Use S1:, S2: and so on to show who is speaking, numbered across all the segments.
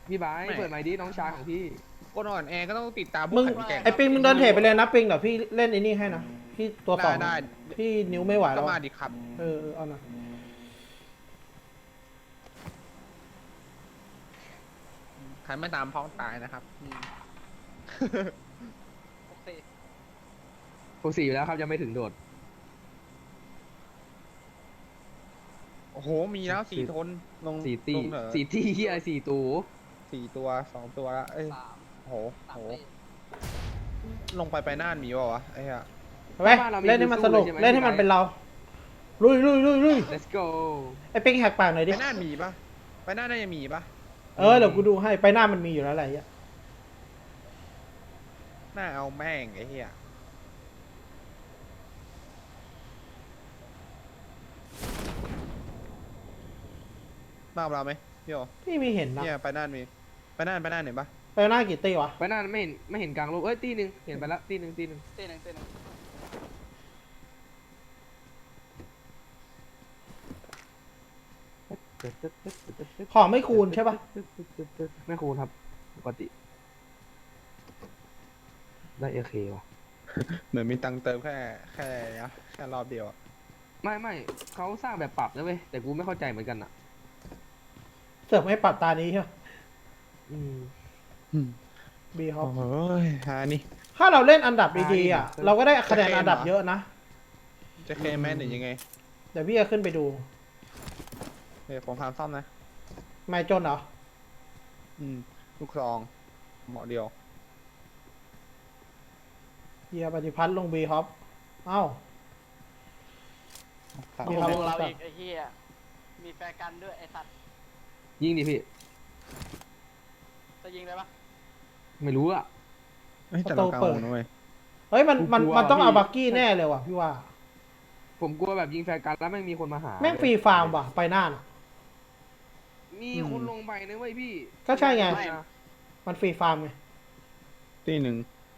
S1: พี่บายเปิดไมค์ดิน้องชายของพี่
S2: คนอ่อนแอก็ต้องติดตามพว
S3: มึ
S2: ก
S3: ง
S2: แข่ง
S3: ไอปิงมึงเดินเทรดไปเลยนะปิงเดี๋ยวพี่เล่นไอ้นี่ให้นะพี่ตัวสอง
S2: ได้
S3: พี่นิ้วไม่ไหว
S2: ก็
S3: แล้ว
S2: มาดิครับ
S3: เอานะ
S2: ใครไม่ตามพ้องตายนะครับ
S1: 64อยู่แล้วครับยังไม่ถึงโดด
S2: โอ้โหมีแล้ว4 ทนลง
S1: 4 ตี
S2: ลงเหรอ
S1: 4 ที่เฮีย4 ตู
S2: 4 ตัว2 ตัวแล้วเอ้ย
S4: 3
S2: โหลงไปน่านมีวะวะไอ้เหี้ย
S3: เอาไปเล่นให้มันสนุกเล่นให้มันเป็นเราลุย
S1: let's go
S3: ไอปิงแหกปากหน่อยดิ
S2: ไปน่านมีปะไปน่านน่าจะมีปะ
S3: เดี๋ยวกูดูให้ไปหน้ามันมีอยู่แล้วอะไรอ่ะ
S2: น่าเอาแม่งไอ้เหี้ยมากับเราไหมพี่โอ
S3: พี่มีเห็นนะ
S2: เนี่ยไปน่านมีไปน่านเห็นปะ
S3: ไปหน้ากี่ตีวะ
S1: ไปนั่นไม่เห็นกลางโลกเอ้ยตีหนึ่งเห็นไปละตีหนึ่ง
S4: เต้นหนึ่ง
S3: ของไม่คูณใช่ปะ
S1: ไม่คูณครับปกติได้เอเคว่ะ
S2: เหมือนมีตังค์เติมแค่รอบเดียวอะ
S1: ไม่เขาสร้างแบบปรับนะเว้ยแต่กูไม่เข้าใจเหมือนกันอ่ะ
S3: เสิร์ฟให้ปัดตานี้ใช่ปะ
S1: อืม
S3: บีฮอป
S2: โอ้ยหานี่
S3: ถ้าเราเล่นอันดับดีๆอ่ะเราก็ได้คะแนนอันดับเยอะนะ
S2: จะเคแมนหรือยังไง
S3: เดี๋ยวพี่จะขึ้นไปดู
S2: เดี๋ยวผมทำซ่อมนะ
S3: ไม่จนเหรอ
S2: ลูกซองเหมาะเดียว
S3: เฮียปฏิพัฒน์ลงบีฮอปเอ้า
S2: ครับ
S3: มี
S4: โอ้
S3: ค
S4: โห
S3: รับ
S4: เราอีกไอ้เหี้ยมีแฟร์กันด้วยไอ้สัตว์
S1: ยิงดิพี่
S4: จะยิงได้ปะ
S1: ไม่รู้อ่ะ
S2: แต่เรากลางวงนะเว้ย
S3: เฮ้ยมัน
S1: กลัว
S3: มันต้องเอา
S1: พี่
S3: บักกี้แน่เลยว่ะพี่ว่า
S1: ผมกลัวแบบยิงแฟร์กันแล้วไม่มีคนมาหา
S3: แม่งฟรีฟาร์มว่ะไปหน้าน่ะ
S1: มีคนลงไปนะเว้ยพี่
S3: ก็ใช่ไง
S1: ม่นะ
S3: มันฟรีฟาร์มไง
S2: ที่หนึ่ง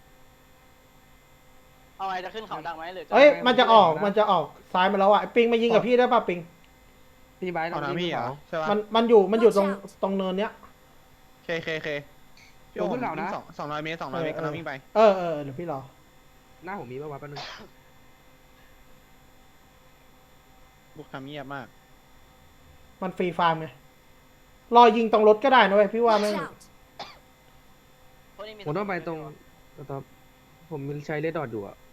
S4: เอาไงจะขึ้นเขาดังไหมหรือจะ
S3: เอ้ยมันจะออกซ้ายมาแล้วอ่ะไอ้ปิงมายิงกับพี่ได้ป่ะปิง
S1: พี่ไบร์ท
S2: เอา
S1: ลอง
S2: น้ำ
S1: ยิ
S2: พี่
S1: ง
S2: เหรอ
S1: เขา
S2: ใช่ปะ
S3: มันอยู่ตรงเนินเนี้ย
S2: เคพี่
S1: ลงขึ้นเขานะ
S2: 200 เมตร200 เมตรกำลังวิ่งไป
S3: เดี๋ยวพี่รอ
S1: หน้าผมมีป่าวะแป๊บนึง
S2: ลูกทำเงียบมาก
S3: มันฟรีฟาร์มไงรอยิงตรงรถก็ได้นะเว้ยพี่ว่า
S5: Watch
S3: แม่ง
S5: out!
S4: พวกนี้มี
S1: ผมต้องไปตรงตอนผมใช้เลดดอทอยู่อะ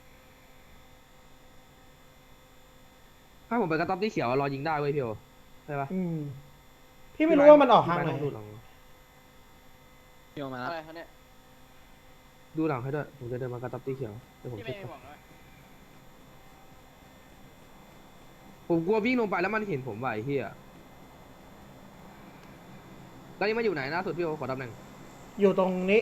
S1: ถ้าผมไปกระต๊อบที่เขียวอะรอยิงได้เว้ยพี่โอใช่ปะ
S3: พี่ไม่รู้ว่ามันออกทางไหน
S1: พี่บร์ทต้องดูหลัง
S2: พี่โอมาแล้ว
S4: อะไรเขาเนี่ย
S1: ดูหลังให้ด้วยผมจะเดินมากระต๊อบที่เขียวเดี๋ยวผม
S4: ที่
S1: เช็
S4: ไม่
S1: ค
S4: มี
S1: ก่อน
S4: หวังเลย
S1: ผมกลัววิ่งลงไปแล้วมันเห็นผมว่ะไอ้เหี้ยแล้วนี่มาอยู่ไหนล่าสุดพี่โอขอตำแหน่ง
S3: อยู่ตรงนี้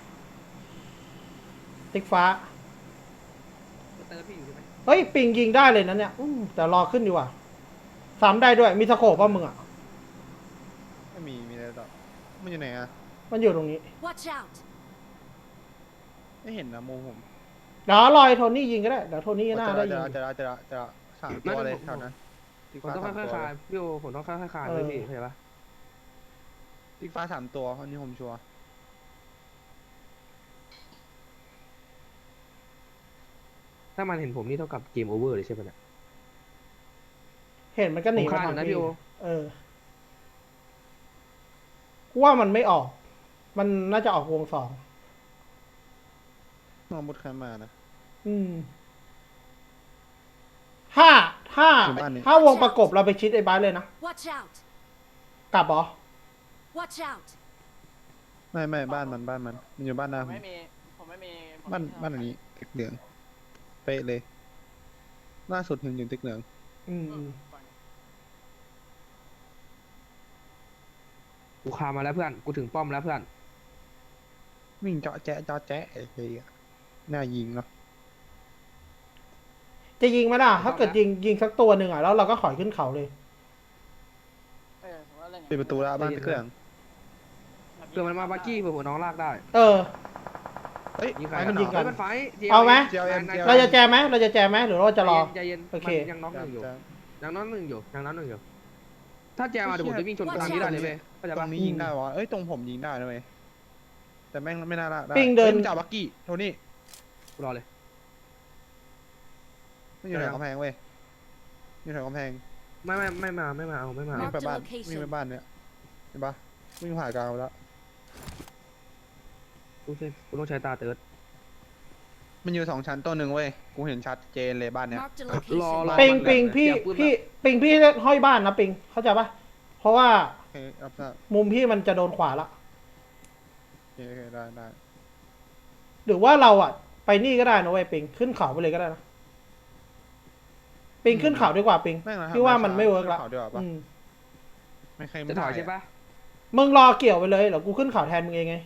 S3: ติ๊กฟ้า
S1: เตอร์พี่อยู่ใช่ไหม
S3: เฮ้ยปิงยิงได้เลยนะเนี่ยแต่รอขึ้นดีกว่าซ้ำได้ด้วยมีสโคปป่ะมึงอ่ะ
S2: ไม่มีอะไรต่อมันอยู่ไหนอะ
S3: มันอยู่ตรงนี้
S5: Watch out!
S2: ไม่เห็นนะโมผม
S3: เดี๋ยวรอยโทนี่ยิงก็ได้เดี๋ยวโทนี่น่าได้ยิง
S2: จะ3 ตัวเลยแถวนั้น
S1: ผมต้องค่อยๆคลายพี่โอผมต้องค่อยๆคลายเลยพี่เข้าใจปะ
S2: ติ๊กฟ้า3 ตัวอันนี้ผมชัวร์
S1: ถ้ามันเห็นผมนี่เท่ากับเกมโอเวอร์เลยใช่ปะเนี่ย
S3: เห็นมันก็หนี
S1: ผมคาดอยู่นะพี่โอ
S3: กูว่ามันไม่ออก มันน่าจะออกวงสอง
S2: น้องมุดใครมานะ
S3: ถ้า
S2: อยู่บ้านนี่
S3: ถ้าวงประกบเราไปชิดไอ้บ้านเลยนะ
S5: Watch out!
S3: กลับเหรอ
S5: Watch out!
S2: ไม่บ้านมันอยู่บ้านหน้า
S4: ผม
S2: ผม
S4: ไม่มีผมไม่มีผม
S2: บ้าน
S4: ไม่มี
S2: บ้านอันนี้ติ๊กเหลืองเป๊ะเลยล่าสุดเห็นอยู่ติ๊กเหลือง
S4: ฝั่ง
S1: กูคามาแล้วเพื่อนกูถึงป้อมแล้วเพื่อน
S2: วิ่งเจาะแจ๊ะไอ้เหี้ยน่ายิงเนาะ
S3: จะยิงไหมล่ะ ถ้าเกิดยิงสักตัวหนึ่งอ่ะ แล้วเราก็ขอยขึ้นเขาเลย
S4: ผมว่าเล่น
S2: ปิดประตูแล้วบ้านติ๊กเหลือง
S1: เผื่อมันมาบักกี้เผื่อน้องลากได้
S2: เฮ้ย
S1: ยิงใคร
S3: ให้มันยิงก่อน
S1: เฮ้มันไฟท์
S3: เอาไหม
S2: JLM
S3: เราจะแจมไหมหรือเราจะรอ
S1: ใจเย็น
S3: โอเค
S1: มันยังน็อกหนึ่งอยู่ยังน็อกหนึ่งอยู่ถ้าแจมาเดี๋ยวผมจะวิ่งชนตรงนี้ได้เลยเว้ยเข้าใจ
S2: ตร
S1: ปะ
S2: งนี้ยิงได้วะเอ้ยตรงผมยิงได้นะเว้ยแต่แม่งไม่น่าละได้
S3: ปิงเดิน
S2: ฮ้ยมันจับบักกี้โทนี่
S1: รอเลย
S2: ไม่อยู่แถวกำแพงเว้ยอยู่แถวกำแพง
S1: ไม่มาเอา
S2: วิ่ง
S5: Mark
S2: ไป
S5: the
S2: บ้าน
S5: location
S2: วิ่งไปบ้านเนี่ยเห็นปะวิ่งผ่านกลางไปแล้ว
S1: กูสิกูต้องใช้ตาเติร์ด
S2: มันอยู่2 ชั้นตัวหนึ่งเว้ยกูเห็นชัดเจนเลยบ้านเนี้ย
S5: Marked a
S1: รอ
S5: location.
S3: ปิง
S1: มันแบบ
S3: ปิงพี่
S1: เสียปืน
S3: พี่ปิงพี่เล่นห้อยบ้านนะปิงเข้าใจปะเพราะว่า
S2: โอเครับทราบ
S3: มุมพี่มันจะโดนขวาละ
S2: โอเคได้ได้
S3: หรือว่าเราอ่ะ ไปนี่ก็ได้นะเว้ยปิงขึ้นเขาไปเลยก็ได้นะปิงขึ้นเขาดีกว่าปิง
S2: แม่งนะ
S3: พี่ว่ามันไม่เวิร์กละ
S2: ข่าวดีกว่าปะ
S3: อืม
S2: ไม่เคย
S1: จะถอยใช่ปะ
S3: มึงรอเกี่ยวไปเลยเดี๋ยวกูขึ้นเขาแทนมึงเองไง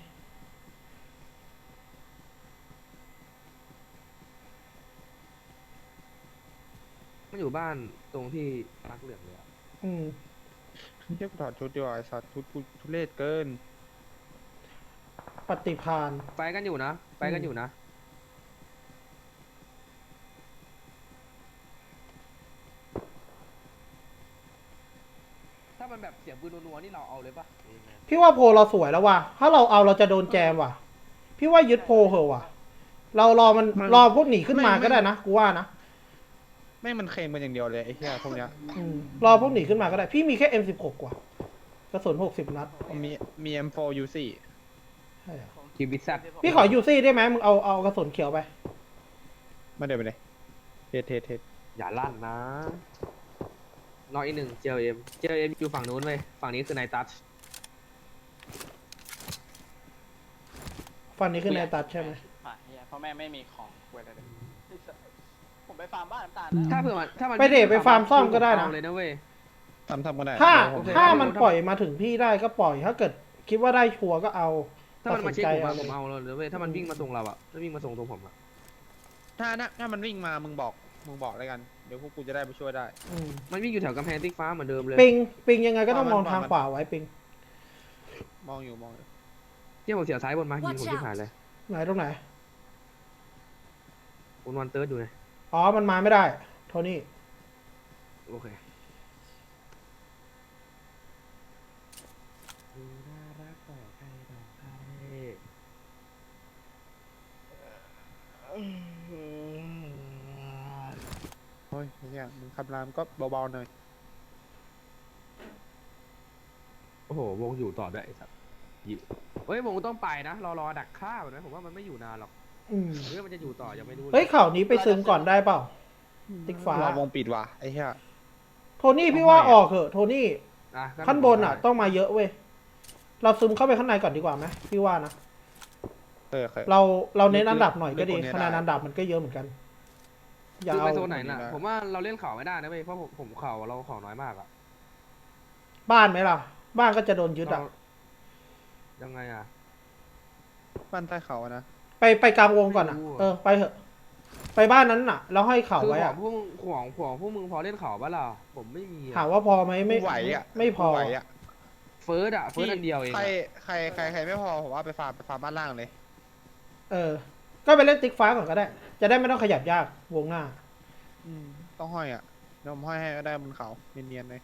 S1: มันอยู่บ้านตรงที่รักเหลืองเลยอะ
S3: อืม
S2: เทียบถอดชุดดีกว่าไอ้สัตว์ชุดกูทุเรศเกิน
S3: ปฏิพาน
S1: ไปกันอยู่นะไปกันอยู่นะถ้ามันแบบเสียงปืนนัวๆนี่เราเอาเลยปะ
S3: พี่ว่าโพลเราสวยแล้วว่ะถ้าเราเอาเราจะโดนแจมว่ะ พี่ว่ายึดโพลเหอะว่ะ เรารอมันรอพวกหนีขึ้นมาก็ได้นะกูว่านะ
S2: แม่งมันเคลมกันอย่างเดียวเลยไอ้เหี้ยพวกเนี้ย
S3: อืมรอพวกหนีขึ้นมาก็ได้ พี่มีแค่ M16 กว่ากระสุน60 นัด
S2: มี M4 U4
S3: ใช่อะ
S1: คิวบิซัด
S3: พี่ขอยูซี่ได้ไหมมึงเอากระสุนเขียวไป
S2: มาเดี๋ยวไปเลยเทส
S1: อย่าลั่นนะน้อยอีกหนึ่งเจลเอ็มอยู่ฝั่งนู้นเว้ยฝั่งนี้คือนายตัช
S3: ฟันนี้ขึ้นในตัดใช่ไหม
S4: ผ่านเฮียเพราะแม่ไม่มีของเว้ยเลยผมไปฟาร์มบ้านน้ำตาล
S1: ถ้าเผื่อมันถ้ามัน
S3: ไปเดทไปฟาร์มซ่อมก็ได้นะ
S1: เอาเลยนะเว้ย
S2: ทำก็ได้
S3: ถ้า
S2: เดี๋ยวผม
S3: ถ้ามันปล่อยมาถึงพี่ได้ก็ปล่อย ถ้าเกิดคิดว่าได้ชัวร์ก็เอา
S1: ถ้ามันมาเช็คผม
S3: ตั
S1: อะ
S3: ด
S1: ผ
S3: สิน
S1: ม
S3: ใจ
S1: เอาเลยเว้ยถ้ามันวิ่งมาส่งเราอะถ้าวิ่งมาส่งตรงผมอะ
S2: ถ้ามันวิ่งมามึงบอกเลยกัน เดี๋ยวพวกกูจะได้ไปช่วยได้
S3: อืม
S1: มันวิ่งอยู่แถวกำแพงติ๊กฟ้าเหมือนเดิมเลย
S3: ปิงยังไงก็ต้องมองทางขวาไว้ปิง
S2: มองอยู่
S1: ที่ผมเสียซ้ายบนมายิง
S5: Watch
S1: ผมที่หายเลย
S3: ไหนตรงไหน
S1: ผมวันเติร์ดอยู่ไง
S3: อ๋อ มันมาไม่ได้ โทนี่
S1: โอเคดูน่ารักต่อใครต่อใคร
S2: โอ้ยไอ้เหี้ยมึงคำรามก็เบาๆหน่อย
S1: โอ้โหวงอยู่ต่อด้วยไอ้สัสอยู่เฮ้ยวงต้องไปนะรอดักฆ่าแบบนั้นผมว่ามันไม่อยู่นานหรอก
S3: อืม
S1: เรื่องมันจะอยู่ต่อยังไม่รู้ล
S3: เฮ้ยข่าวนี้ไปซึมก่อนได้เปล่า ติ๊กฟ้า
S2: รอวงปิดว่ะไอ้เหี้ย
S3: โทนี่พี่ว่าออกเถอะ โทนี่
S1: อ่ะ
S3: ขั้นบนอ่ะ ต้องมาเยอะเว้ย เราซึมเข้าไปข้างในก่อนดีกว่าไหมพี่ว่านะ
S2: เคย
S3: เราเน้นอันดับหน่อยก็ดี
S2: เล่นคนเนี้ย
S3: คะแนน
S2: ได้
S3: อันดับมันก็เยอะเหมือนกัน อย่า
S1: คือ
S3: เอา
S1: ไปโซนไหนน่ะ
S2: ได้
S1: ผมว่าเราเล่นเข่าไม่ได้นะเว้ยเพราะผมเข่าเราเข่าน้อยมากอะ
S3: บ้านไหมล่ะ บ้านก็จะโดนยึดอ่ะ
S1: เรายังไงอะ
S2: บ้านใต้เขาอะนะ
S3: ไปกลางวงก่อนอ่ะ
S1: ไม่รู้อะ
S3: เออ ไปเถอะ ไปบ้านนั้นน่ะ แล้วห้อยเข่า
S1: คือ
S3: ไว้
S1: ขอ
S3: อ่ะ
S1: งพวกพวกมึงพอเล่นเข่าปะล่ะผมไม่มีอะ
S3: ถามว่าพอไหมไม่
S2: กูไหวอะ
S3: ไม่พอ
S2: กูไหวอะ
S1: เฟิร์สอันเดียวเอง
S2: ใคร
S1: อะ
S2: ใครไม่พอผมว่าไปฟาร์มบ้านล่างเลย
S3: เออ ก็ไปเล่นติ๊กฟ้าก่อนก็ได้ จะได้ไม่ต้องขยับยากวงหน้า
S2: ต้องห้อยอ่ะเดี๋ยวผมห้อยให้ก็ได้บนเขาเนียนๆเลย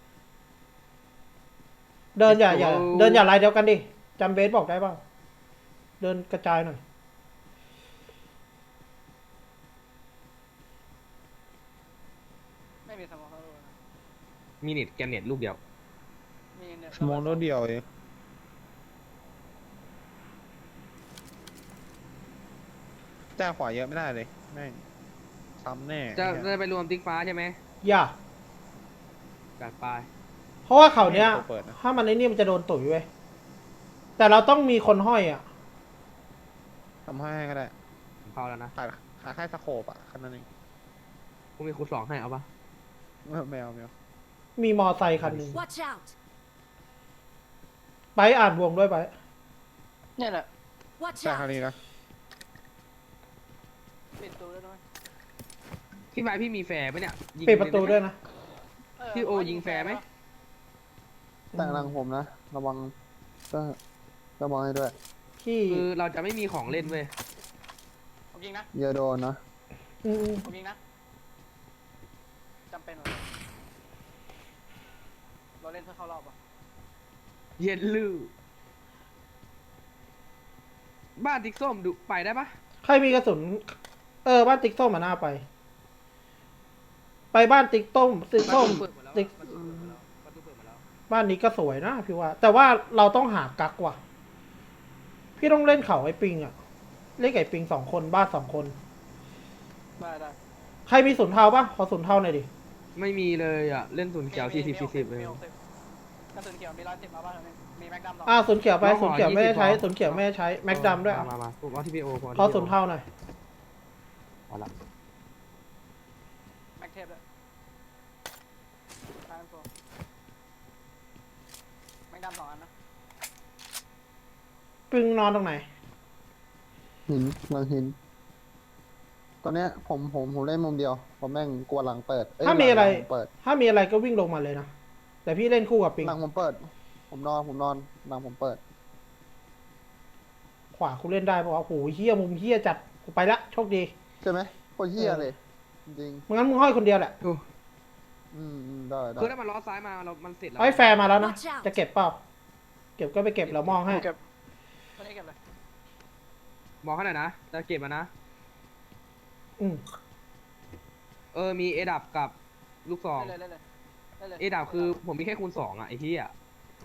S3: เดินอย่าลายเดียวกันดิจำเบสบอกได้เปล่าเดินกระจายหน่อย
S4: ไม่มีสมองเขาเลยนะ
S1: มีเน็ตแกนเน็ตลูกเดียว
S4: มีเนี่ย
S2: มองรถเดียวเองจ้าขวาเยอะไม่ได้เลยแม่งซ้ำแน่
S1: จะ
S2: ไอ้เหี้ย
S1: ไปรวมติ๊กฟ้าใช่ไหม
S3: อย่า
S1: การไป
S3: เพราะว่าเขาเนี้ย
S2: เปิดนะ
S3: ถ้ามันไอ้นี่มันจะโดนตุ๋ยเว้ยแต่เราต้องมีคนห้อยอ่ะ
S2: ทำให้ก็ได้
S1: ผมเข้าแล้วนะ
S2: ขาแค่สโคปอ่ะแค่นั้นเอง
S1: ผมมีคูณ2ให้เอาปะ
S2: ไม่เอา
S3: มีมอไซค์คันหนึ่ง
S5: Watch out!
S3: ไปอ่านวงด้วยไป
S4: เนี่ยแหละ
S5: Watch
S2: แต่คราว
S5: out!
S2: นี้นะ
S4: ปิดตัวด้วย
S1: พี่ไม้พี่มีแฟร์ปะเนี่ยยิง
S3: ปิดประตูด้วยนะ
S1: พี่โอยิงแฟร์ไหม
S2: แต่หลังผมนะระวังก็ระวังให้ด้วย
S3: ที่
S1: คือเราจะไม่มีของเล่นเว้ย
S4: ผมยิงนะ
S2: อย่าโดนนะ
S3: อืม
S4: ผมยิงนะจำเป็นเหรอเราเล่นเพื่อเข้ารอบอ่ะ
S1: เย็นลือบ้านติ๊กส้มดูไปได้ปะ
S3: ใครมีกระสุน บ้านติ๊กส้มมาหน้าไป ไปบ้านติ๊กต้มติ๊กส้ม
S1: เปิดหมดแล้ว
S3: ติ๊ก
S1: ประตูเปิดหมดแล้วประตูเปิดหมดแล้ว
S3: บ้านนี้ก็สวยนะพี่ว่า แต่ว่าเราต้องหากักว่ะ พี่ต้องเล่นเขาไอ้ปิงอะเล่นไอ้ปิง2 คนบ้าน2 คน
S4: ได้
S3: ใครมีศูนย์เทาปะขอศูนย์เทาหน่อยดิ
S1: ไม่มีเลยอ่ะเล่นศูนย์เขียว40-40เลย
S4: มี60กระสุนเขียวมี110มาบ้างมีแม็กดัม
S3: ศูนย์เขียวไป
S1: น้องขอ
S3: ศูนย์เขียวไม่ได้ใช้
S1: 20
S3: ศูนย์เขียวไม่ได้ใช้แม็กดัมด้วย
S1: มาผมเอาที่พีโอ
S3: ขอศูนย์เทาหน่อย
S1: เอาละ
S4: แม็กเทปด้วยทางโฟแม็กดัม2 อันนะ
S3: ปิงนอนตรงไหน
S2: หินหลังหิน ตอนเนี้ยผมเล่นมุมเดียวผมแม่งกลัวหลังเปิดเย
S3: ถ้ามีอะไร
S2: หลังผมเปิด
S3: ถ้ามีอะไรก็วิ่งลงมาเลยนะ แต่พี่เล่นคู่กับปิง
S2: หลังผมเปิด ผมนอนหลังผมเปิด
S3: ขวากูเล่นได้ปะวะโอ้โหเฮี้ยมุมเฮี้ยจัดกูไปละโชคดี
S2: ใช่ไหมโคตรเหี้ยเลย จริง
S3: งั้นมึงห้อยคนเดียวแหละ
S2: ได้
S1: คือถ้ามันล้อซ้ายมามันเสร็จแล้ว
S3: ไอ้แฟร์มาแล้วนะ
S5: Watch out
S3: จะเก็บเปล่า เก็บก็ไปเก็บแล้วมองให้
S4: เก็บตัวนี้เก็บเลย
S1: มองให้หน่อยนะจะเก็บมานะ
S3: อืม
S1: มีเอดับกับลูกซอง
S4: เล่นเลย
S1: เอดับคือผมมีแค่คูณ 2อ่ะไอ้ที่อ่ะ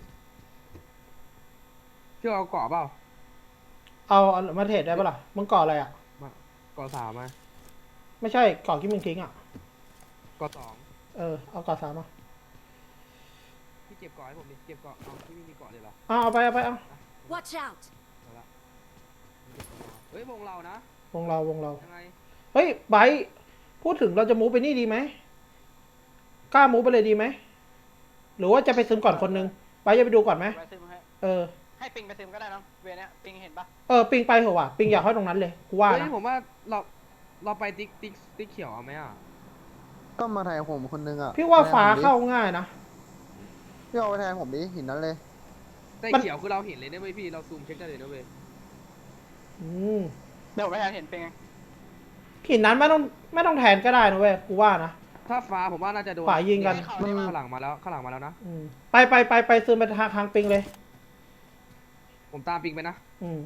S1: พี่เอาเกาะเปล่า
S3: เอามาเทรดได้ปะล่ะ มึงก่ออะไรอ่ะ
S1: เกาะ3มา
S3: ไม่ใช่ก่อที่มึงทิ้งอ่ะ
S1: เกาะ2
S3: เอาก่อ3มา
S1: พี่เก็บเกาะให้ผมดิเก็บเกาะเอาพี่ไม่มีเกาะเลยเหรอ
S3: เอาไป
S5: Watch out!
S1: เอาละเฮ้ยวงเรานะ
S3: วงเรา
S1: ยังไง
S3: เฮ้ยไบร์ทพูดถึงเราจะมูฟไปนี่ดีไหม กล้ามูฟไปเลยดีไหม หรือว่าจะไปซึมก่อนคนนึงไบร์ทจะไปดูก่อนไหม
S4: ไปซึมให้
S3: เออ
S4: ให้ปิงไปซึมก็ได้นะเวรเนี้ยปิงเห็นปะ
S3: ปิงไปเหอะว่ะ ปิงอยากเข้าตรงนั้นเลย กูว่า
S1: เฮ้ย
S3: นะ
S1: ผมว่าเราไปติ๊กเขียวเอาไหมอ่ะ
S2: ก็มาแทนผมคนนึงอ่ะ
S3: พี่ว่าฟ้าเข้าง่ายนะ
S2: พี่เอาไปแทนผมดิหินนั้นเลย
S1: แต่เขียวคือเราเห็นเลยนะเว้ยพี่เราซูมเช็คได้เลยนะเว้ย
S3: อืม
S4: เดี๋ยวผมไปแทนเห็นปิงไง
S3: หินนั้นไม่ต้องแทนก็ได้นะเว้ย กูว่านะ
S1: ถ้าฟ้าผมว่าน่าจะโดน
S3: ฝ่ายยิงกัน
S1: ข้างหลังมาแล้วนะ
S3: อืมไปซึมไปทางปิงเลย
S1: ผมตามปิงไปนะ
S3: อืม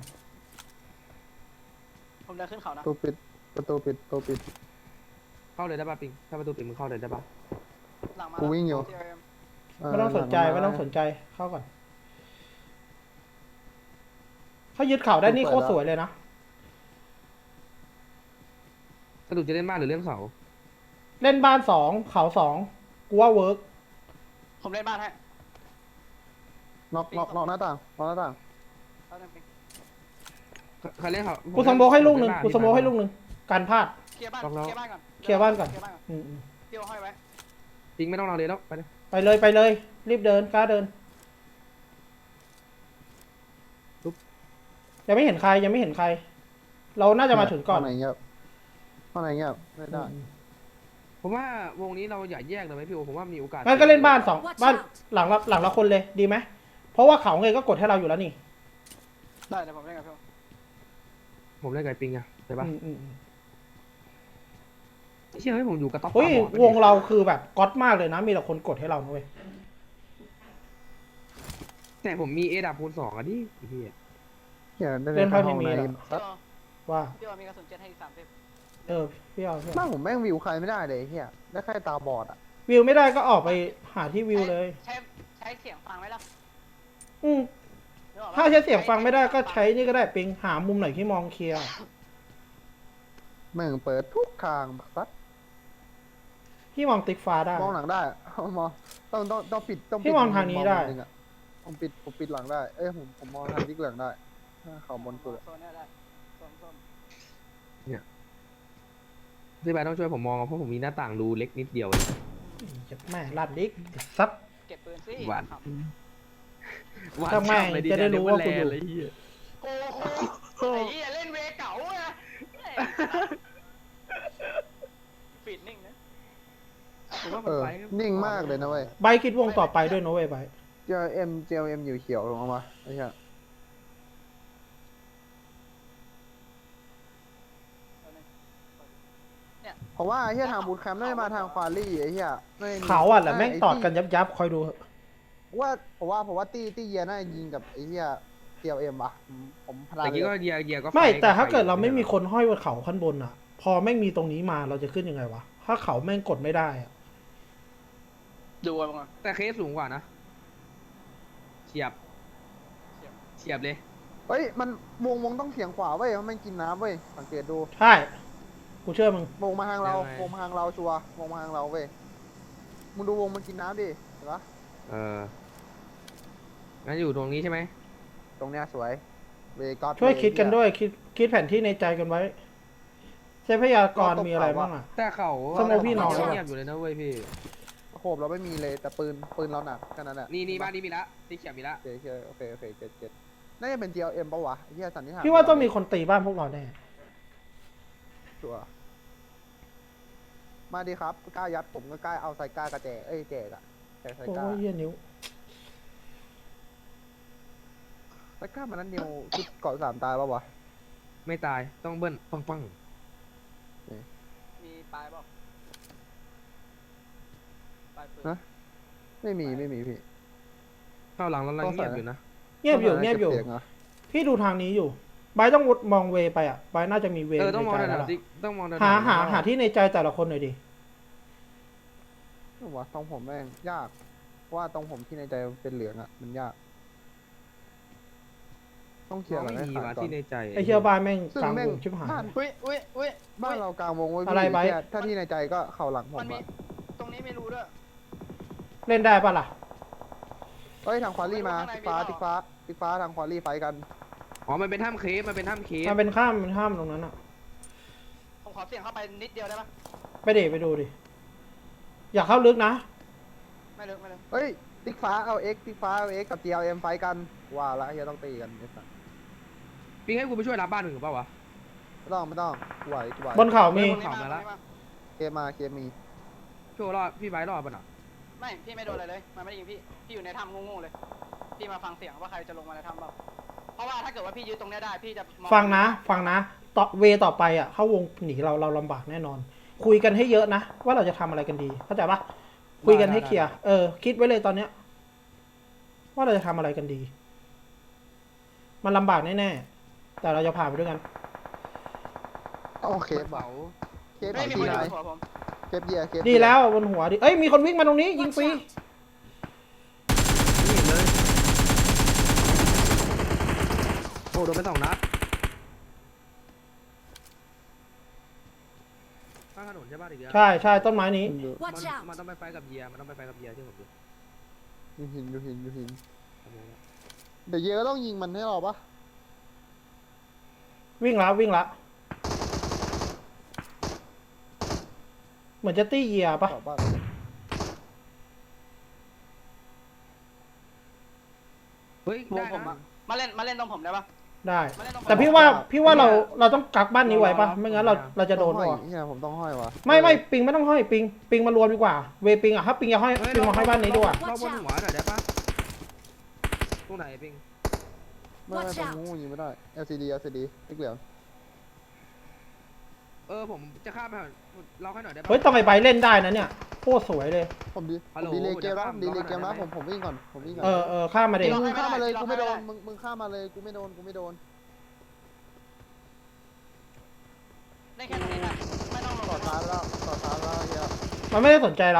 S4: ผมเดินขึ้นเขานะ
S2: ประตูปิด
S1: เข้าเลยได้ป่ะปิงถ้าประตูปิดมึงเข้าเลยได้ป่ะ
S4: หลังมา
S2: กูวิ่งอยู่
S4: CRM
S3: ไม่ต้องสนใจเข้าก่อนเขายึดเขาได้นี่โคตรสวยเลยนะ
S1: สรุปจะเล่นบ้านหรือเล่นเขา
S3: เล่นบ้าน2เขา2กูว่าเวิร์ก
S4: ผมเล่นบ้านให้
S2: น็อกหน้าต่างน็อกหน้าต่าง
S4: เอาเล่นปิง
S1: ใครเล่นเขา
S3: กูสโมกให้ลูกหนึ่งการพลาด
S4: เคลียร์บ้านก่อน
S3: เคลียร์บ้านก่อน
S4: เคลียร์บ้านก่อน
S3: อืม
S4: เที่ยวห้อยไว้
S1: ปิงไม่ต้องเราเลยแล้วไปเลย
S3: ไปเลย รีบเดินกล้าเดิน ยังไม่เห็นใคร เราน่าจะมาถึงก่อน
S2: ข้างในเงียบไม่ได้
S1: ผมว่าวงนี้เราอย่าแยกเลยไหมพี่โอผมว่ามีโอกาส
S3: งั้นก็เล่นบ้าน
S5: Watch
S3: บ้าน
S5: out!
S3: หลังละคนเลยดีไหม เพราะว่าเขาไงก็กดให้เราอยู่แล้วนี่
S4: ได้เดี๋ยวผมเล่นกับพี่
S1: ผมเล่นไก่ปิงอะใช่ป่ะ
S3: อืม
S1: เชื่อให้ผมอยู่กับต๊อป
S3: เฮ้ย
S1: ตาบอด
S3: วงเราคือแบบก๊อตมากเลยนะ มีแต่คนกดให้เรานะเว้ย
S1: แต่ผมมีเอดับคูณ 2อ่ะดิพี่
S2: เหี้ยได้
S3: เล่นไพ่
S2: ห้อง
S3: พรีเมียร์
S2: ไหน
S3: เหรอ ว่า
S4: พี่มีกระสุนเจ็ตให้อีก30
S3: พี่เอา
S2: บ้านผมแม่งวิวใครไม่ได้เลยเฮียได้แค่ตาบอดอ่ะ
S3: วิวไม่ได้ก็ออกไปหาที่วิวเลย
S4: ใช้เสียงฟังไหมล่ะ
S3: อืม
S4: นึกออกปะ
S3: ถ้าใช้เสียงฟังไม่ได้ก็ใช้นี่ก็ได้ปิงหามุมไหนที่มองเคลียร์
S2: แม่งเปิดทุกทางซัด
S3: พี่มองติ๊กฟ้าได้
S2: มองหลังได้มองต้องปิด
S3: พี่มองทางนี้ได้
S2: มุมนึงอะผมปิดหลังได้ผมมองทางที่เหลืองได้เขาบนสุดอะ
S4: โซนเนี่ยได้โซน
S1: พี่บายต้องช่วยผมมองเพราะผมมีหน้าต่างรูเล็กนิดเดียว
S3: จะแม่ลัดดิกซับ
S4: เก็บปืนสิ
S1: หวาน
S4: ครับ
S3: ทำไมจะได้รู้ว่าคุณอยู่
S4: โอ้โหไอ้เหี้ยเล่นเวเก่าอะฟีดนิ่งนะ
S2: นิ่งมากเลยนะเว้ย
S3: ใบคิดวงต่อไปด้วยนะเว้ยใบ
S2: JLM อยู่เขียวลงมาไอ้เหี้ยเพราะว่าไอ้เหี้ยทางบูทแคมป์ไม่ได้มาทางควาลี่ไอ้เหี้ยไม่
S3: เขาอ่ะแหละแม่งตอดกันยับคอยดูเถอะ
S2: ผมว่าตี้เยียน่าจะยิงกับไอ้เหี้ย TLM ว่ะผมพลาด
S1: แต่
S2: เล
S1: กี้ก็
S2: ย
S1: เยียก็
S3: ไม่
S1: ฟ
S3: แต่ถ้าเกิด
S1: ฟ
S3: เราไม่มีคนห้อยบนเขาขั้นบนอ่ะ พอแม่งมีตรงนี้มาเราจะขึ้นยังไงวะถ้าเขาแม่งกดไม่ได้อ่ะ
S4: ดูกันก่อน
S1: แต่เคสสูงกว่านะเฉียบเลย
S2: เฮ้ยมันวงต้องเสียงขวาเว้ยมันกินน้ำเว้ยสังเกตดู
S3: ใช่กูเชื่อมึง
S2: วงมาทางเราวงมาทางเราชัวร์วงมาทางเราเว้ยมึงดูวงมันกินน้ำดิเห็นปะ
S1: งั้นอยู่ตรงนี้ใช่ไหม
S2: ตรงเนี้ยสวยเวก็อต
S3: ช่วยคิดกันด้วยคิดแผนที่ในใจกันไว้ใช้พยากรณ์มีอะไรบ้างอ่ะ
S1: แต่เขา
S3: สมมุติพี่น้อง
S1: เงียบอยู่เลยนะเว้ยพี่
S2: โคบเราไม่มีเลยแต่ปืนเราหนักแค่นั้นแหละ
S1: นี่บ้านนี้มีละที่เขียวมีละ
S2: โอเคเจ็ดน่าจะเป็น TLM ปะวะไอ้เหี้ยสันนิษฐาน
S3: พี่ว่าต้องมีคนตีบ้านพวกเราแน่
S2: ชัวร์มาดีครับกล้ายัดผมก็กล้าเอาใส่กล้ากระแจแจกอะแจกใส่
S3: โอ้
S2: กล้าย
S3: เหี้ยนิ้ว
S2: ใส่กล้ามันนั้นนิวชุดเกาะ3ตายปะวะ
S1: ไม่ตายต้องเบิ้ลปัง
S4: มีปลายเปล่าปลายปืน
S2: ฮะ ไม่มีพี่
S1: เข้าหลังแล้วเราเงียบอยู่นะ
S3: เงียบอยู่
S2: ก็
S3: เงียบอยู่
S2: ก็สีงเหร
S3: พี่ดูทางนี้อยู่ไบร์ทต้องมองเวไปอ่ะไบร์ทน่าจะมีเว
S1: ต้องมอง
S3: ในใจ
S1: แถ
S3: แล้ว
S1: ว
S3: ล่ะ
S1: ติ๊กต้องมองแถว
S3: หาที่ในใจแต่ละคนหน่อยดิ
S2: วะตรงผมแม่งยากเพราะว่าตรงผมที่ในใจมันเป็นเหลืองอะมันยาก ต้องเคลียร์อะไร
S1: ไม่
S2: ให้
S1: มี
S2: ขาด
S1: ว่ะ
S2: ก่อน
S1: ที่ในใจ
S3: ไอเชียบ้านแม่ง
S2: ซึ่ง
S3: กลาง
S2: แม่
S3: ว
S2: ง
S3: งชิบหาย
S2: บ้าน
S4: อุ้ย
S2: บ้านเรากลางวงไว้
S3: อะไรไบร์ท
S2: ถ้าที่ในใจก็เข่าหลังผม
S4: มันมี
S2: อะ
S4: ตรงนี้ไม่รู้ด้วย
S3: เล่นได้ปะล่ะ
S2: เฮ้ยทางควารี่มา
S4: ข้างใน
S2: ติ๊กฟ้า
S4: มี
S2: ติ๊ก
S4: เป
S2: ฟ้า
S4: ล่า
S2: ติ๊กฟ้าทางควารี่ไฟกัน
S1: อ๋อมันเป็นถ้ำเคฟ
S3: มันเป็นข้ามตรงนั้นอ่ะ
S4: ผมขอเสี่ยงเข้าไปนิดเดียวได้ปะ
S3: ไปดูดิ อยากเข้าลึกนะ
S4: ไม่ลึก
S2: เฮ้ยติ๊กฟ้าเอา X ติ๊กฟ้าเอา X กับ TLM ไฟกันว่าละเฮียต้องตีกันไอ้สัส
S1: พี่ให้กูไปช่วยรับบ้านหนึ่งเปล่าวะ
S2: ไม่ต้องกูไหว
S3: บนเขามี
S4: ตรงนี้มา
S2: เคมี
S1: ช่วยรอดพี่ไบร์ทรอดป่ะน่ะ
S4: ไม่พี่ไม่โดนอะไรเลยมันไม่ได้ยิงพี่อยู่ในถ้ำโง่ๆเลยพี่มาฟังเสียงว่าใครจะลงมาในถ้ำบ้างเพราะว่าถ้าเกิดว่าพี่ยึดตรงนี้ได้พี่จะมอ
S3: ฟังนะต่อเวต่อไปอ่ะเข้าวงหนีเราลำบากแน่นอน คุยกันให้เยอะนะว่าเราจะทำอะไรกันดีเข้าใจปะคุยกันให้เคลียร์คิดไว้เลยตอนเนี้ย ว่าเราจะทำอะไรกันดี มันลำบากแน่ๆแต่เราจะผ่านไปด้วยกัน
S2: โอเค
S1: เสา
S2: เคฟ
S4: ไม่มี
S2: ที
S4: คนอ
S2: ไหน
S4: ยู่บนหัวผม
S2: เคฟเยียเคฟ
S3: ดีแล้วบนหัวดิมีคนวิ่งมาตรงนี้ยิง
S5: Watch
S3: ฟรี
S5: out!
S1: ไม่เห็นเลยโอ้โดนไป2 นัดข้างถนนใช่ป่ะอีกแล้ว
S3: ใช่ต้นไม้นี้
S5: Watch
S1: มัน
S5: out!
S1: ต้องไปไฟกับเยียมันต้องไปไฟกับเยียที่ผมดู
S2: อยู่หิน
S1: ทำไงวะ
S2: เดี๋ยวเยียก็ต้องยิงมันให้เราปะ
S3: วิ่งละเหมือนจะตี้เหยียปะ
S2: ตอบบ้าน
S1: เฮ้ยว
S4: งผมอะมาเล่นตรงผมได้ปะ
S3: ได้
S4: มาเล่นตรงผม
S3: แต่พี่ว่าเราต้องกักบ้านนี้ไว้ปะไม่งั้นเราจะโดน
S2: ห้อ
S3: ปะ
S2: ยเนี่ยผมต้องห้อยวะ
S3: ไม่ปิงไม่ต้องห้อยปิงมารวมดีกว่าเวปิงอ่ะถ้าปิงจะห้อยปิงมาห้อยบ้านนี้ดีกว่า
S1: เราบนหัวหน่อยได้ปะตรงไหนปิง
S2: ไม่
S5: Watch
S2: ผม
S5: out
S2: งูยิงไม่ได้ LCD ติ๊กเหลือง
S1: ผมจะข้ามไปเราให้หน่อยได้ปะ
S3: เฮ้ยต้องไอ้ใบเล่นได้นะเนี่ยโคตรสวยเลย
S2: ผม
S1: ฮัลโหล
S2: ดีเลยเกมแล้ว
S1: เดี๋ยว
S2: ดีเลยเกมแล้ว
S1: ข้าม
S2: ผมวิ่งก่อน
S3: ข้ามมาเด็
S2: มึงข้ามมาเลยกูไม่โดนมึงข้ามมาเลยกูไม่โดน
S4: เล่นแค่ตรงนี้ได้ไม่ต้องลง
S2: ต่อท้ายแล้วเฮีย
S3: มันไม่ได้สนใจเรา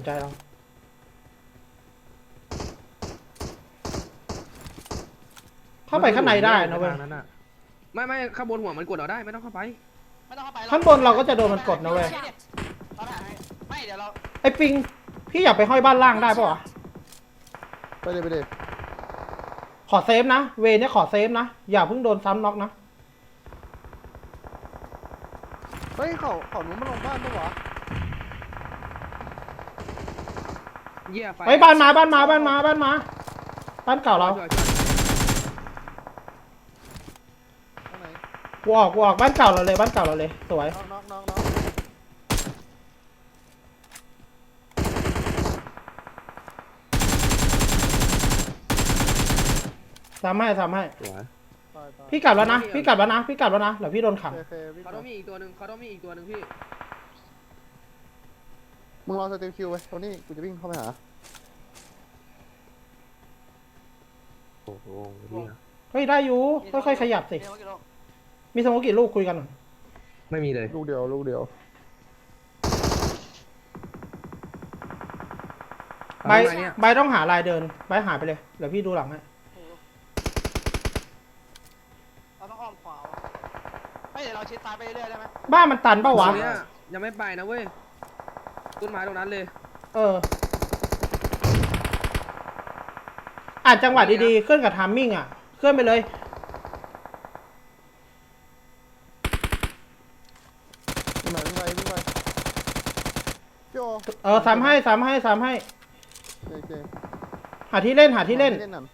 S3: เข้าไปข้างในได้นะเว้ย
S1: ไม่ข้างบนหัวมันกดเราได้ไม่ต้องเข้าไป
S4: ไม่ต้องเข้าไป
S3: ข้างบนเราก็จะโดนมันกดนะเว้ย
S4: เราถ่ายให้ไม่เดี๋ยวเรา
S3: ไอ้ปิงพี่อยากไปห้อยบ้านล่างได้ปะวะ
S2: ไปเลย
S3: ขอเซฟนะเวเนี่ยขอเซฟนะอย่าเพิ่งโดนซ้ำน็อกนะ
S2: เฮ้ยเขาหนูมาลงบ้านปะวะ
S1: เยี่ยไฟ
S3: เฮ้ยบ้านมาบ้านเก่าเรา
S1: ช่วย
S2: ตรงไหน
S3: กูออกบ้านเก่าเราเลยสวย
S2: น้อง
S3: ทำให้
S1: สวย
S3: พี่กลับแล้วนะเดี๋ยวพี่โดนขัง
S2: โอเควิ่ง
S1: เขาต้องมีอีกตัวหนึ่งพี่
S2: มึงรอสเตลคิวไว้ตรงนี้กูจะวิ่งเข้าไปหา
S1: โอ้โหนี่นะ
S3: เฮ้ยได้อยู่ค่อยๆขยับสิ
S4: มีสโมกกี่ลูก
S3: มีสโมกกี่ลูกคุยกันหน่อย
S1: ไม่มีเลย
S2: ลูกเดียวลูกเดียว
S3: ใบ
S1: ทำไมเนี่ย
S3: ใบต้องหาลายเดินใบหายไปเลยเดี๋ยวพี่ดูหลังให้
S4: โอ้โหเราต้องอ้อมขวาวะเฮ้ยเดี๋ยวเราชิดซ้ายไปเรื่อยๆได้ไหม
S3: บ้านมันตันเปล่าวะ
S1: ตรงเนี้ยยังไม่ไปนะเว้ยต้นไม้ตรงนั้นเลย
S3: เอออ่านจังหวะดีๆเคลื่อนกับทามมิ่งอ่ะเคลื่อนไปเลย
S2: วิ่งไปวิ่งไปวิ่งไปพี่โอ
S3: เออซ้ำให้ซ้ำให้ซ้ำให้
S2: โอเค
S3: หาที่เล่นหาที่เล่น
S2: หน่อย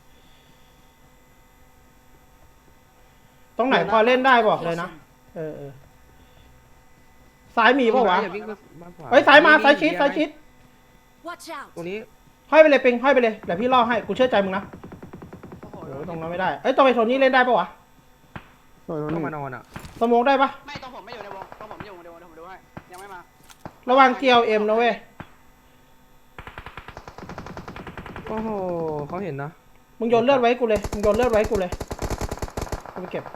S3: ตรงไหนพอเล่นได้บอกเลยนะเออซ้ายมีเปล่าวะ
S1: อย่าวิ่งไปบ้านขว
S3: เฮ้ยซ้ายมาซ้ายชิดซ้ายชิด
S5: Watch out!
S1: ตรงนี้
S3: ห้อยไปเลยปิงห้อยไปเลยเดี๋ยวพี่ล่อให้กูเชื่อใจมึงนะ
S4: โอ้โห
S3: โอ้ตรงนั้นไม่ได้เอ้ยตรงไอ้โทนี่เล่นได้ปะวะ
S2: หน่อย
S1: ต้อง
S2: หน่
S1: มา
S2: อย
S1: นอนอ่ะ
S3: สโมกได้ปะ
S4: ไม่ตรงผมไม่อยู่ในวงตรงผมอยู่ในวงเดี๋ยวผมดูให้ยังไม่มา
S3: ระวังเกียวเอ็มนะเว้ย
S1: โอ้โหเขาเห็นนะ
S3: มึงโยนเลือดไว้กูเลยมึงโยนเลือดไว้กูเลยกูไปเก็บ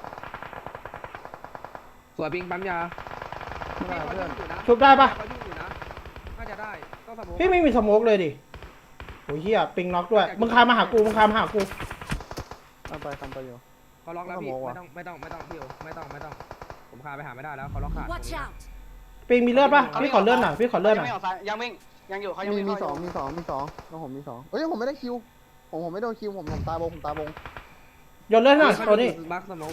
S1: สวยปิงปั๊มยา
S2: ไม่ได้เพื่อน
S3: ชุบได้ปะ
S1: เขายุ่งอยู่นะน่าจะได้ต้องสมมติ
S3: พี่ไม่มีสโมกเลยดิโอ้ยเฮียปิงน็อกด้วยมึงคานมาหากูมึงคานมาหากู
S2: ทำไปอยู่
S1: เขาล็อกแล้วพี่
S2: สมมุติ
S1: ไม่
S2: ว่ะ
S1: ต้องพี่โอไม่ต้องผมคาไปหาไม่ได้แล้วเขาล็อกขาด
S5: Watch out!
S3: ปิงมีเลือดปะพี่ขอเลือดหน่อยพี่ขอเลือดหน่อย
S4: ไม่ออกซ้ายยังวิ่งยังอยู่เขายัง
S2: มี
S4: วิ่ง
S2: มี
S4: เข้า
S2: สองมีสองมีสองแล้วผมมีสองเอ้ยผมไม่ได้คิวผมไม่โดนคิวผมตายบงผมตายบง
S3: โยนเลือดหน่อยตัวนี้
S1: บักสมอง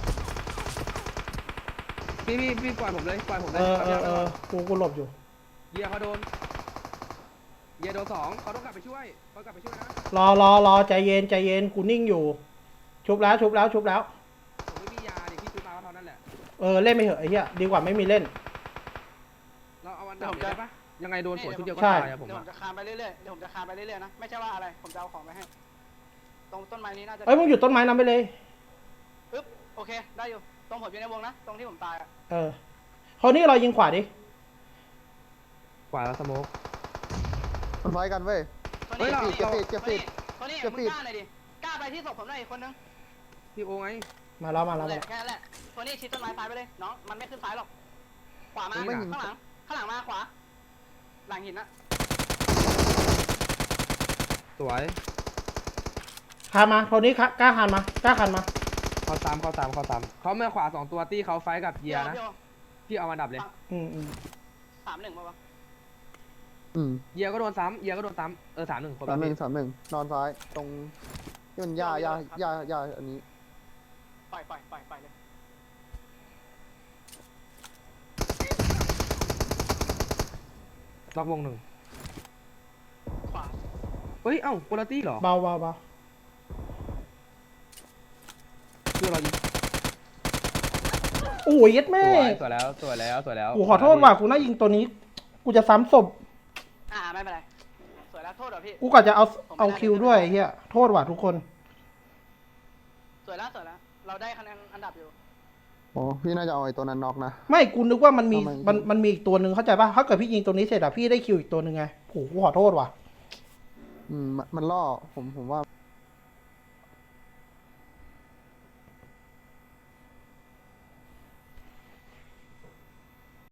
S1: พี่ปล่อยผมเลยปล่อยผมเล
S3: กูหลบอยู่
S1: เยียเขาโดนเยียโดนสองเขาต้องกลับไปช่วยเขากลับไปช่วยนะ
S3: รอใจเย็นใจเย็นกูนิ่งอยู่ ชุบแล้ว
S1: ผมไม่มียาดิพี่ซื้อมาก็เท่านั้นแหละ
S3: เล่นไปเถอะไอ้เหี้ยดีกว่าไม่มีเล่น
S1: เราเอาวันดับเลยได้ปะยังไงโดนสวนชุดเดียวก็
S3: ใช่
S1: ตายอะผม
S4: เดี๋ยวผ
S1: อะ
S4: มจะคานไปเรื่อยๆเดี๋ยวผมจะคานไปเรื่อยๆนะไม่ใช่ว่าอะไรผมจะเอาของไปให้ตรงต้นไม้นี้น่าจะ
S3: เอ้ยมึงหยุดต้นไม้นั้นไปเลย
S4: ปึ๊บโอเคได้อยู่ตรงผมอยู่ในวงนะตรงที่ผมตายอ่ะ
S3: คนนี้เรายิงขวาดิ
S1: กว่าแล้วสโมก
S2: มันไฟกันเว้ย
S4: โทนี่
S2: เก็บปิดเก็บปิด
S4: โทนี่
S2: เก็บ
S4: มึ
S2: ปิ
S4: ง
S2: ด
S4: กล้าหน่อยดิกล้าไปที่ศพผมหน่อยอีกคนนึง
S1: พี่โอไง
S3: มาแล้ว
S4: นั่นแหละแค่นั้นแหละโทนี่ชิดต้นไม้ซ้ายไปเลยน้องมันไม่ขึ้นซ้ายหรอกขวามาข้างหลังมาขวาหลังหินนะ
S1: สวย
S3: คานมาคนนี้กล้าคานมา
S1: เขาตามเขาเมื่อขวา2ตัวตี้เขาไฟกับเยียนะ
S4: พี่โอ
S1: พี่เอาวันดับเลย
S3: อืม
S4: 3-1ป่าวะ
S1: เยียก็โดนซ้ำ3-1คน
S2: 31นอนซ้ายตรงที่มันหญ้าอันนี้
S4: ปล่อยเลย
S1: ล็อกวงหนึ่ง
S4: ขวา
S1: เฮ้ยเอ้าโคลตี้เหรอ
S3: เบา
S1: คือเรายิง
S3: โอ้ยยัดแม่
S1: สวยแล้ว
S3: กูขอโทษว่ะกูน่ายิงตัวนี้ กูจะซ้ำศพ
S4: ไม่เป็นไรสวยแล้วโทษเหรอพี่
S3: กูกะจะเอาคิวด้วยไอ้เฮียโทษว่ะทุกคน
S4: สวยแล้วเราได้คะแนนอันดับอยู่
S2: โอ้พี่น่าจะเอาไอ้ตัวนั้นน็อกนะ
S3: ไม่กูนึกว่ามันมี
S2: ทำไม
S3: มันมีอีกตัวหนึ่งเข้าใจป่ะถ้าเกิดพี่ยิงตัวนี้เสร็จอะพี่ได้คิวอีกตัวหนึ่งไงโหกูขอโทษว่ะ
S2: มันล่อผมว่า